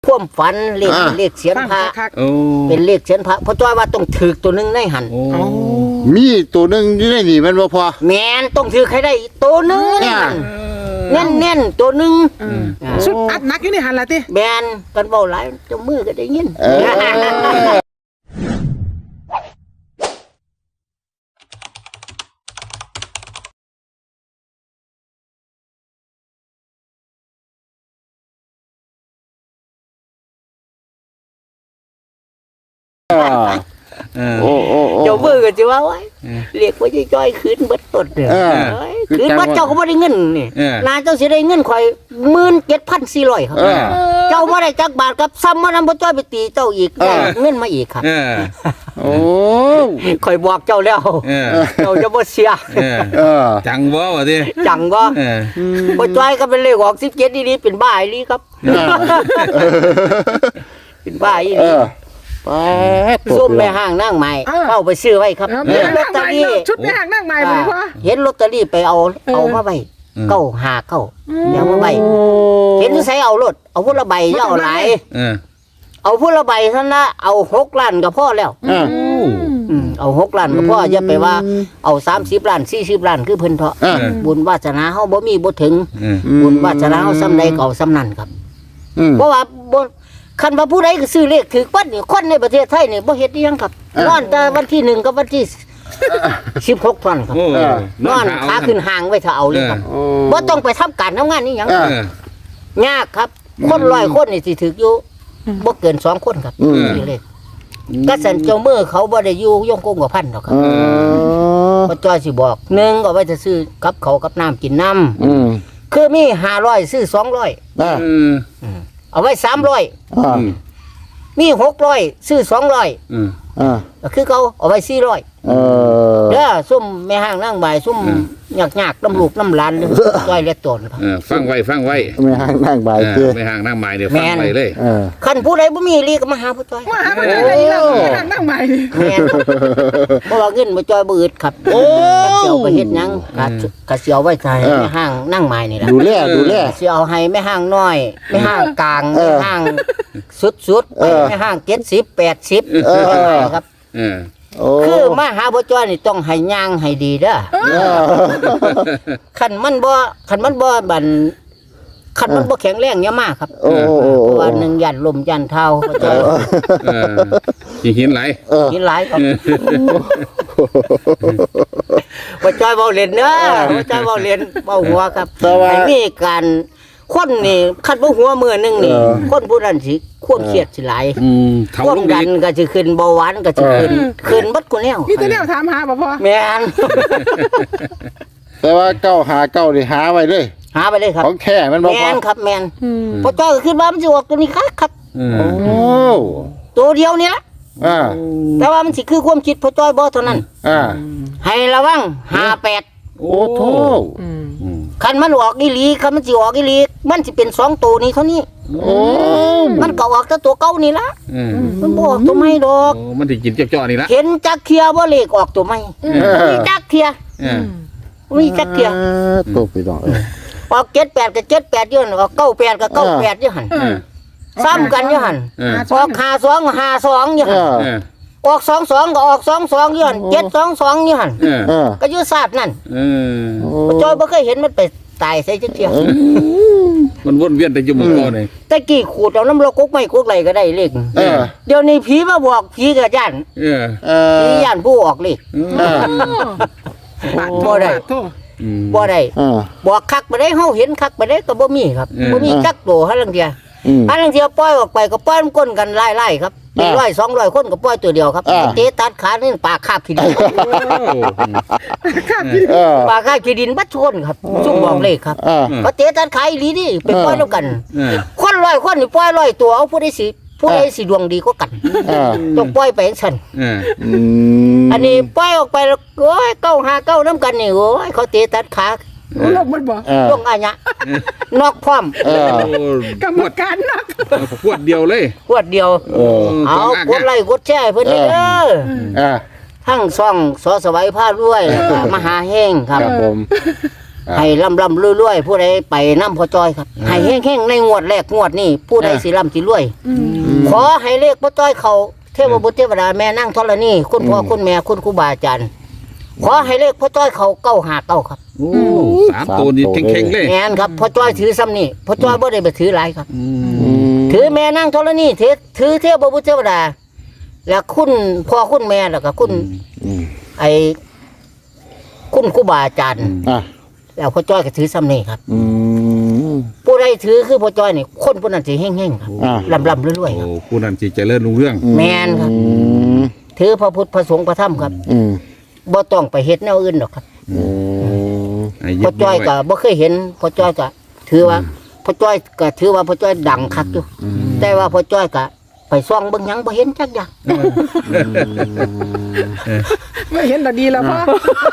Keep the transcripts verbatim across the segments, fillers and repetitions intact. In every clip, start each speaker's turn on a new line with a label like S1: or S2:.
S1: พ่วมฝันเลขเลขเสียนพระเป็นเลขเสียนพระเพราะจ้อยว่าต้องถือตัวหนึ่งในหัน
S2: มีตัวหนึ่งอยู่ในนี่มันบ่พอ
S1: แมนต้องถือใครได้ตัวหนึ่งเน้นเน้นตัวหนึ่ง
S3: สุดอัดนักอยู่ในหันละติ
S1: แมนกันเบาหลายเจ้ามือก็ได้ยิน
S2: โอ้โอ้
S1: เจ้ามือก็จะว่าไว้เรียกว่าจะจ้อยคืนเบิดต้นเนี่ยคืนบัดเจ้าก็ไม่ได้เงินนี่นาเจ้าสิได้เงินข่อยหมื่นเจ็ดพันสี่ร้อยครับเจ้าไม่ได้จักบาทครับซ้ำมานำบ่จ้อยไปตีเจ้าอีกได้เงินมาอีกครับ
S2: โอ้
S1: ข่อยบอกเจ้าแล้วเจ้าจะบ่เสีย
S4: จังบ่วะดิ
S1: จังบ่บ่จ้อยก็เป็นเลขออกสิบเจ็ดนี่เป็นบ้าอีหลีครับเป็นบ้าอีหลีส้มแม่ห้างนั่งใหม่เข้าไปซื้อไว้ครับเห็นลอตเตอรี่
S3: ชุดแม่ห้างนั่งใหม่บ่พ่อ
S1: เห็นลอตเตอรี่ไปเอาเอามาไว้เก้าหาเก้าเดี๋ยวมาไว้เห็นใส่เอารถเอาพุ่นละใบเจ้าหลายเอาพุ่นละใบเท่านั้นเอาหกล้านก็พอแล้วเอาหกล้านก็พออย่าไปว่าเอาสามสิบล้านสี่สิบล้านคือเพิ่นเถาะบุญวาสนาเฮาบ่มีบ่ถึงบุญวาสนาเฮาซ้ำใดก็เอาซ้ำนั้นครับเพราะว่าบ่คันว่าผู้ใดก็ซื้อเลขถือปั้นนี่คนในประเทศไทยนี่บ่เฮ็ดอีหยังครับนอนแต่วันที่หนึ่งกับวันที่สิบหกเท่านั้นครับนอนขาขึ้นห่างไว้ถ้าเอาเลยครับบ่ต้องไปทำการทำงานนี่หยังยากครับคนร้อยคนนี่สิถืออยู่บ่เกินสองคนครับนี่เลขกษัตริย์เจ้ามือเขาบ่ได้อยู่ย่องกงกับพันหรอกครับพระจ้อยสิบอกหนึ่งเอาไว้จะซื้อกับเขากับน้ำกินน้ำคือมีห้าร้อยซื้อสองร้อยเอาไว้สามร้อยมีหกร้อยซื้อสองร้อยคือเขาเอาไว้สี่ร้อยเด้อซุ่มแม่ห้างนั่งบ่ายซุ่มหยักหยักน้ำลูกน้ำหลานจ้อยเล็กโตนครับ
S4: ฟังไว้ฟังไว้
S2: แม่ห้างนั่งบ่าย
S4: แม่ห้างนั่งบ่ายเดี๋ยวฟังไว้เลย
S1: คันผู้ใดบ่มีรีก็มาหาผู้จ้อย
S3: มาหาผู้จ้อยแล้วแม่ห้างนั่งบ่าย
S1: แม่บ่ว่าเงินบ่จ้อยบ่อึดครับโอ้เสียวไปเฮ็ดหยังกะเสียวไว้ใส่แม่ห้างนั่งบ่ายนี่ล่ะ
S2: ดูแลดูแล
S1: สิเอาให้แม่ห้างน้อยแม่ห้างกลางแม่ห้างสุดๆแม่ห้างเจ็ดสิบ แปดสิบครับคือมาหาบ่จ้อยนี่ต้องให้ย่างให้ดีเด้อคันมันบ่คันมันบ่บันคันมันบ่แข็งแรงอย่ามาครับเพราะว่าหนึ่งยันลมยันเท้าบ่จ้อย
S4: เออหินไหล
S1: หินไหลครับบ่จ้อยเว้าเล่นเด้อบ่จ้อยเว้าเล่นเว้าหัวครับให้มีการคนนี่คันบ่หัวมื้อนึงนี่คนผู้นั้นสิความเครียดสิหลายความดันก็สิขึ้นเบาหวานก็สิขึ้นขึ้นบัดกูแนว
S3: มีแต่แนวถามหาบ่พ่อ
S1: แม่น
S2: แต่ว่าเก้าหาเก้านี่หาไว้เลย
S1: หาไปเลยครับ
S2: ของแท้มันบ่พอ
S1: แม่นครับแม่นพอจ้อยขึ้นมามันสิออกตัวนี้ครับ
S2: โอ้
S1: ตัวเดียวนี่ล่ะ
S2: อ่า
S1: แต่ว่ามันสิคือความคิดพอจ้อยบ่เท่านั้น
S2: อ่า
S1: ให้ระวังห้าแปด
S2: โอ้โธ่
S1: คันมันออกอีหลีคันมันสิออกอีหลีมันสิเป็นสองตัวนี้เท่านี้
S2: โอ้
S1: มันก็ออกแต่ตัวเก่านี่ล่ะมันบ่ออกตัวใหม่ดอก
S4: มันสิกินเจ้าๆนี่ล่ะ
S1: เห็นจักเทียบ่เลขออกตัวใหม่มีจักเทียมีจักเทีย
S2: ตัวไปดอก
S1: ออกเจ็ดแปดก็เจ็ดแปดอยู่หั่นออกเก้าแปดก็เก้าแปดอยู่หั่นซ้ำกันอยู่หั่นออกห้าสอง ห้าสองอยู่หั่นออกสองสองก็ออกสองสองอยู่หั่นเจ็ดสองสองอยู่หั่นก็อยู่ศาสตร์นั่นจอยบ่เคยเห็นมันไปตายใส่จักเทีย
S4: มันวนเวียนแต่อยู่หมู่เก่านี่
S1: ตะกี้ขูดเอาน้ำโลกกไม้กกไหลก็ได้เลขเดี๋ยวนี้ผีมาบอกผีก็ย่านเออผีย่านผู้ออกเลขบ่ได้บ่ได้บอกคักบ่ได้เฮาเห็นคักบ่ได้ก็บ่มีครับบ่มีจักโตหาลังเทียหาลังเทียปล่อยออกไปก็ปล่อยมันก้นกันไล่ๆครับหนึ่งร้อย สองร้อยคนก็ปล่อยตัวเดียวครับเตะตัดขานี่ปากคาบขี้ดินปากคาบขี้ดินบัดชนครับซุ่มบอกเลขครับก็เตะตัดขาอีหลีนี่ไปปล่อยแล้วกันคนร้อยคนนี่ปล่อยร้อยตัวเอาผู้ใดสิผู้ใดสิดวงดีก็กันต้องปล่อยไปจังซั่นอันนี้ปล่อยออกไปแล้วโอ้ยเก้าห้าเก้านำกันนี่โอ้ยเขาเตะตัดขา
S3: ลงมันบ่
S1: ลงอันเนี้ยนอกพร้อม
S3: กรรมการนัก
S4: ขวดเดียวเลย
S1: ขวดเดียวเอากดไลค์กดแชร์เพิ่นเด้อทั้งช่องสอสวัยพารวยแล้วก็มหาแห้งครับ
S2: ผม
S1: ให้ลำลำรวยๆผู้ใดไปน้ำพอจอยครับให้แห้งๆในงวดแรกงวดนี้ผู้ใดสิร่ำสิรวย ขอให้เลขพอจอยเขาเทพบุตรเทวดาแม่นั่งธรณีคุณพ่อคุณแม่คุณครูบาอาจารย์ขอให้เลขพอจอยเขาเก้าหาเก้าครับ
S4: โอ้สามตัวนี่เข่งๆเลย
S1: แม่นครับพอจอยถือซ้ำนี่พอจอยบ่ได้ไปถือหลายครับ
S4: อืม
S2: อืม
S1: ถือแม่นั่งธรณีถือถือเทพบุตรเทวดา แล้วคุณพ่อคุณแม่แล้วก็คุณ
S2: อืม
S1: ไอ้คุณครูบาอาจารย์
S2: อ่ะ
S1: แล้วพอจอยก็ถือซ้ำนี่ครับ
S2: อืม
S1: ผู้ใดถือคือพอจอยนี่คนผู้นั้นสิแห้งๆครับ
S2: อ่ะ
S1: ลำลำรวยๆครับ
S4: โอ้ผู้นั้นสิเจริญรุ่งเรื่อง
S1: แม่นครับ
S2: อืม
S1: ถือพระพุทธพระสงฆ์พระธรรมครับ
S2: อืม
S1: บ่ต้องไปเฮ็ดแนวอื่นหรอกครับ
S2: อืม
S4: ให้
S1: พ
S4: ยึ
S1: อ
S4: ด
S1: จ้อย
S4: ไว้
S1: ก็บ่เคยเห็นพอจ้อยก็ถือว่าพอจ้อยก็ถือว่าพอจ้อยดังคักอยู่แต่ว่าพอจ้อยก็ไปซ่องเบิ่งหยังบ่เห็นจักอย่าง
S3: ไม่เห็นแต่ดีแล้วพ่อ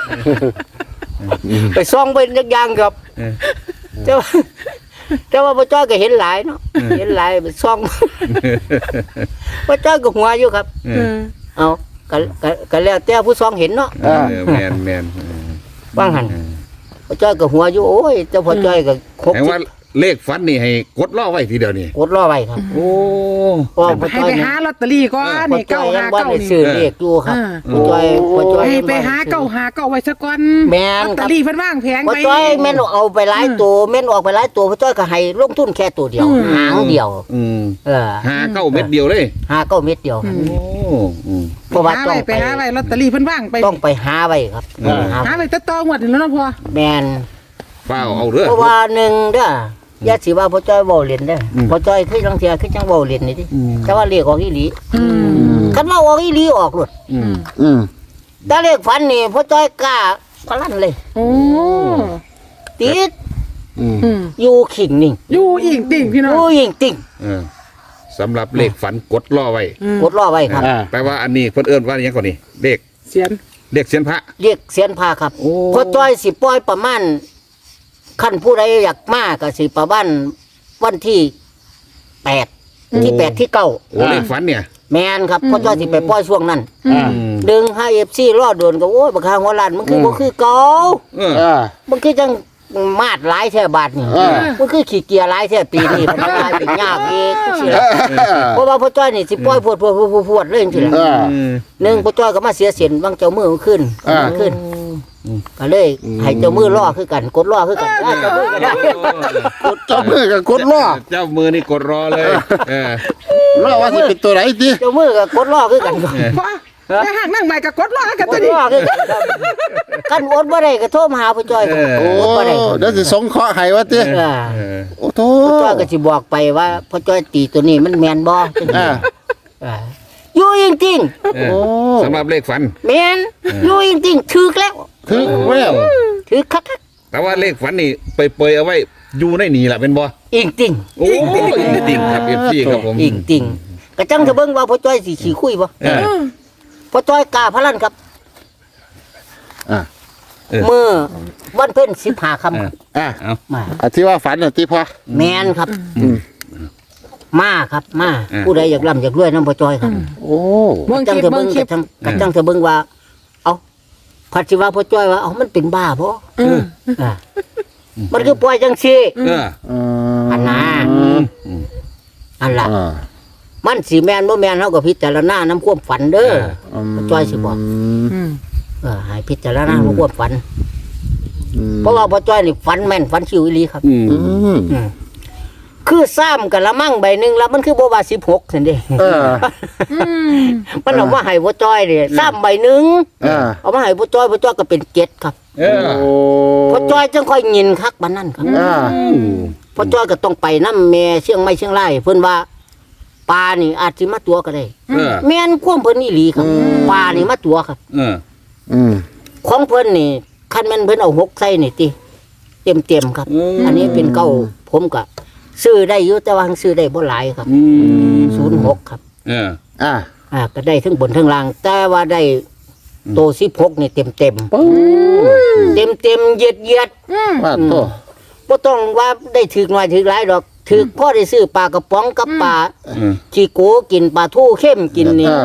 S1: ไปซ่องเบิ่งจักอย่างครับ
S4: เออ
S1: แต่ว่าแต่ว่าพอจ้อยก็เห็นหลายเนาะเห็นหลายไปซ่องพอจ้อยก็หัวอยู่ครับ
S4: เออ
S1: เอาก็ก็ก็แล้วแต่ผู้ซ่องเห็นเนาะ
S4: เออแม่นแม่นเออ
S1: ว่างหั่นพอจ้อยก็หัวอยู่โอ้ยแต่พอจ้อยก็ครบ
S4: แปลว่าเลขฝันนี่ให้กดล่อไว้ทีเดียวนี่
S1: กดรอไว้ครับ
S4: โอ้
S1: เพราะพอ
S3: ให้
S1: จ้อย
S3: ไป
S1: นี่
S3: หาลอตเตอรี่ก่อน
S1: พอ
S3: นี่
S1: จ้อ
S3: เก้าย
S1: ยั
S3: หาง
S1: บ่
S3: เก้า
S1: ได้
S3: นี่
S1: ซื้อเลขอยู่ครับ
S3: อ่า
S1: พอจ้อยพอจ้อย
S3: ให้ไปหาเก้าหาเก้าไว้ซะก่อน
S1: แม่น
S3: ลอต
S1: ค
S3: เต
S1: รั
S3: อบ รี่เพิ่นว่างแพง
S1: พ่อ
S3: ไป
S1: จ้อยแม่นเอาไปหลายตัวแม่นออกไปหลายตัวพ่อจ้อยก็ให้ลงทุนแค่ตัวเดียว
S3: อืม
S1: หางเดียว
S4: อืม
S1: เออ
S4: หาเก้าเม็ดเดียวเลย
S1: หาเก้าเม็ดเดียว
S3: อื
S4: โอ้อืม
S1: เพราะว่า
S3: หา
S1: ต้อ
S3: ไว้
S1: ง
S3: ไป
S1: ไป
S3: หาไว้ลอตเตอรี่เพิ่นว่างไป
S1: ต้องไปหาไว้ครับ
S4: เออ
S1: หา
S3: หาไว้ตะตองวดนี่แล้วเนาะพ่อ
S1: แม่น
S4: เปล่าเอาเด้อ
S1: เพราะว่าหนึ่งเด้ออย่าสิว่าพ่อจ้อยเว้าเล่นเด้ออ
S4: ม
S1: พ่อจ้อยคือจังเทียคือจังเว้าเล่นนี่ดิ
S4: อืม
S1: แต่ว่าเลขออกอีหลี
S3: อืม
S1: คันว่าออกอีหลีออกโลด
S4: อืม
S2: อืม
S1: แต่เลขฝันนี่พ่อจ้อยกล้าพลันเลย
S3: โอ้
S1: ติด
S2: อืม
S3: อืม
S1: อยู่ขิงนิ่ง
S3: อยู่อีกติ่งพี่
S1: อ
S3: น้อง
S1: ยู่ยิงติ่ง
S4: เออสำหรับเลขฝันกดล่อไว้
S3: อืม
S1: กดรอไว้ครับ
S2: อ่า
S4: แปลว่าอันนี้เพิ่นเอิ้นว่าอหยังก่อนนี่เลข
S3: เสียน
S4: เลขเสียนพระ
S1: เรียกเสียนพาครับ
S4: โอ้
S1: พอจ้อยสิปล่อยประมาณขั้นผู้ใดอยากมาก็สิประมาณวันที่แปดที่แปดที่เก้า
S4: โอ้เลขฝันเนี่ย
S1: แมนครับพอจ้อยสิไปปล่อยช่วงนั้น
S2: อ่า
S4: อืม
S1: ดึงให้เอฟซีรอดโดนก็โอ้ยบักคางหัวล้านมันคือบ่คือเก่า
S4: เออ
S2: อ่า
S1: มันคือจังมาดหลายแท่บาทนี่
S2: อ่า
S1: มันคือขี้เกียจหลายแท่ปีนี้มันกลายเป็นยากอีกสิล่ะเพราะว่าพอจ้อยนี่สิปล่อยพวดพวดพวดพวดพวดเลยจังซี่ล่ะ
S2: อ่า
S4: อืม
S1: หนึ่งพอจ้อยก็มาเสียเสียนบางเจ้ามือมันขึ้น
S2: อ่า
S1: มันขึ้นก็เลยให้เจ้ามือล่อคือกันกดล่อคือกันได้เจ้ามือก็ได้
S2: เจ้ามือกับกดล้อ
S4: เจ้ามือนี่กดรอเลย เออ
S2: ล้อว่าสิเป็นตัวไหนดิ
S1: เจ้ามือก็กดล่อคือกัน
S3: พ่อแต่หากนั่งใหม่ก็กดรอกัน
S1: ก
S3: ตัว
S1: ด
S3: นี้
S1: ล่อคือกันครับกันอดบ่ได้ก็โทรมาหาพ่อจ้อยครับ
S2: โอ้
S1: อดบ่ได้
S2: เดี๋ยวสิสงเคราะห์ให้ว่าติ
S1: เออ
S4: เออ
S2: โอ้โถ
S1: พ่อจ้อยก็สิบอกไปว่าพ่อจ้อยตีตัวนี้มันแม่นบ่จังซี่
S2: อ่า
S1: เอออยู่จริง
S4: เอ
S2: โอ้
S4: อสำหรับเลขฝัน
S1: ๆแม่นอยู่จริงๆถึกแล้ว
S2: ถึงแวว
S1: ถึกคัก
S4: แต่ว่าเลขฝันนี่ไปเปยเอาไว้อยู่ในนี่แหละเป็นบ่
S1: ๆอิงติง
S4: โอ้ยจริงครับเอฟซีครับผม
S1: อิงติงก็จังจะเบิ่งว่าพ่อจ้อยสิขี้คุยบ่
S4: เออ
S1: พ่อจ้อยกล้าพลันครับ
S2: อ่า
S4: เออ
S1: เมื่อวันเพ็ญสิบห้าค่ำครับ
S2: อ่า
S4: เอา
S1: มา
S2: อ่ะที่ว่าฝันน่ะที่พ่อ
S1: แมนครับ
S2: อืม
S1: มาครับมาผู้ใดอยากร่ำอยากรวยน้ำพ่อจ้อยครับ
S2: โอ้
S3: เบิ่ง
S1: จั
S3: ค
S1: ง
S3: ลิป
S1: จะ
S3: เบิ่
S1: เบิ่
S3: ง
S1: ง
S3: คลิ
S1: กั
S3: ป
S1: บจังกับจังจะเบิ่งว่า เอาพัดสิว่าพ่อจ้อยว่าเอามันเป็นบ้าบ่
S3: อืม
S1: อ่ามันคือปล่อยจังซี่
S4: เออ
S2: อืม
S1: อันน่ะ อันล่ะ
S2: อ่า
S1: มันสิแม่นบ่แม่นเฮาก็พิจารณาน้ำความฝันเด้อ
S2: ม
S1: พ่อจ้อยสิบอก
S3: อืม
S1: เออให้พิจารณาน้ำความฝัน
S2: อืม
S1: เพราะว่าพ่อจ้อยนี่ฝันแม่นฝันชิวอีหลีครับ
S4: อืม
S2: อืม
S1: อืมคือซ้ำกันละมั่งใบหนึงแล้วมันคือบ่ว่าสิบหกซั่นเด้
S2: เออ
S3: อืม
S1: มันเอามาให้พ่อจ้อยนี่ซ้ำใบหนึง
S2: อ่า
S1: เอามาให้พ่อจ้อยพ่อจ้อยก็เป็นเจ็ดครับ
S4: เออ
S2: โอ้
S1: พ่อจ้อยจังค่อยยินคักบัดนั้นครับ
S2: อ่า
S1: พ่อจ้อยก็ต้องไปนำแม่เชียงใหม่เชียงรายเพิ่นว่าปลานี่อาจสิมาตัวก็ได้
S4: เออ
S1: แม่นความเพิ่นอีหลีครับปลานี่มาตัวครับ
S4: เออ
S2: อืม
S1: ของเพิ่นนี่คันแม่นเพิ่นเอาหกใส่นี่ติเต็มๆครับ อันนี้เป็นเก้าผมก็ซื้อได้อยู่แต่ว่าซื้อได้บ่หลายครับ
S4: อืม
S1: ศูนย์หกครับ
S4: เออ
S2: อ่า
S1: อ่าก็ได้ทั้งบนทั้งล่าง แต่ว่าได้โตสิบหกนี่เต็มเต็ม
S2: ปู
S1: เต็มเต็มๆเหยียดเหยียด
S2: ว่าโต
S1: บ่ต้องว่าได้ถือหน่อยถือหลายดอกถือพ่อได้ซื้อปลากระป๋องกับปลา
S4: เออ
S1: จีโกกินปลาทูเข้มกินนี่
S2: อ่า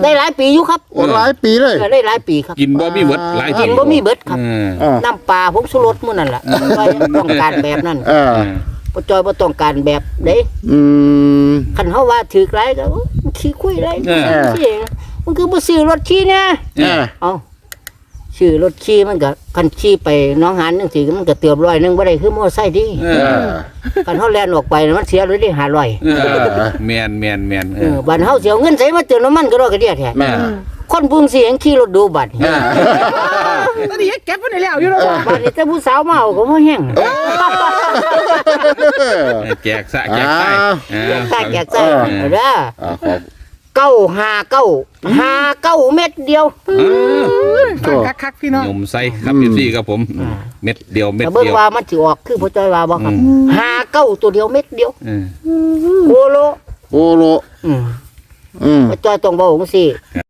S1: ได้หลายปีอยู่ครับ
S2: โอ้หลายปีเลย
S1: เออได้หลายปีครับ
S4: กินบ่มีเบิดหลาย
S1: กินบ่มีเบิดครับ
S4: เออ
S2: อ่า
S1: น้ำปลาผงชูรสมื้อนั่นล่ะบ่ต้องการแบบนั้น
S2: อ่า
S1: บ่จอยบ่ต้องการแบบเด้
S2: อืม
S1: คันเฮาว่าถือหลายก็โอ้มันขี้คุยหลาย
S4: เออ
S1: สิมันคือบ่ซื้อรถขี่แน่
S2: อ่า
S1: เอ้าซื้อรถขี่มันก็คันขี่ไปหน้องหานจังซี่มันก็เติมร้อยหนึงบ่ได้คือมอไซค์ดิ
S4: เอ
S2: อ่
S4: อา
S1: คันเฮาแล่นออกไปน่ะมันเสียเลยได้ห้าร้อย
S4: เออแมนแมนแมนเอ
S1: เอ
S4: อ
S1: อบัดเฮาสิเอาเงินใส่มาเติมน้ำมันก็รอกระเดียแท้
S2: แม่
S1: คนพุ่งสิยังขี่รถดูบัด
S2: อ่า
S3: ตอนนี้เก็บไว้ในแล้วอยู่แล้วว่ะ
S1: บัดนี้แต่ผู้สาวมาเอาก็บ่แห้ง
S4: แจกซะแจกใส่เออ
S1: ตาแก่ใจ
S2: เออ
S1: เด้อ
S2: อ่าขอบ
S1: เก้าห้าเก้าห้าเก้าเม็ดเดียว
S3: ฟังคักๆพี่น้อง
S4: ยมใส่ครับพี่ซี่ครับผม เม็ดเดียวเม็ด
S1: แต่เบิ่ง
S4: เดียว
S1: ว่ามันสิออกคือพ่อจ้อยว่าบ่ครับ
S4: อื
S1: ห้าเก้าตัวเดียวเม็ดเดียว
S4: เออ
S1: โคโล
S2: โอโล
S1: อืม
S2: อืม
S1: พ่อจ้อยต้องบอกจังซี่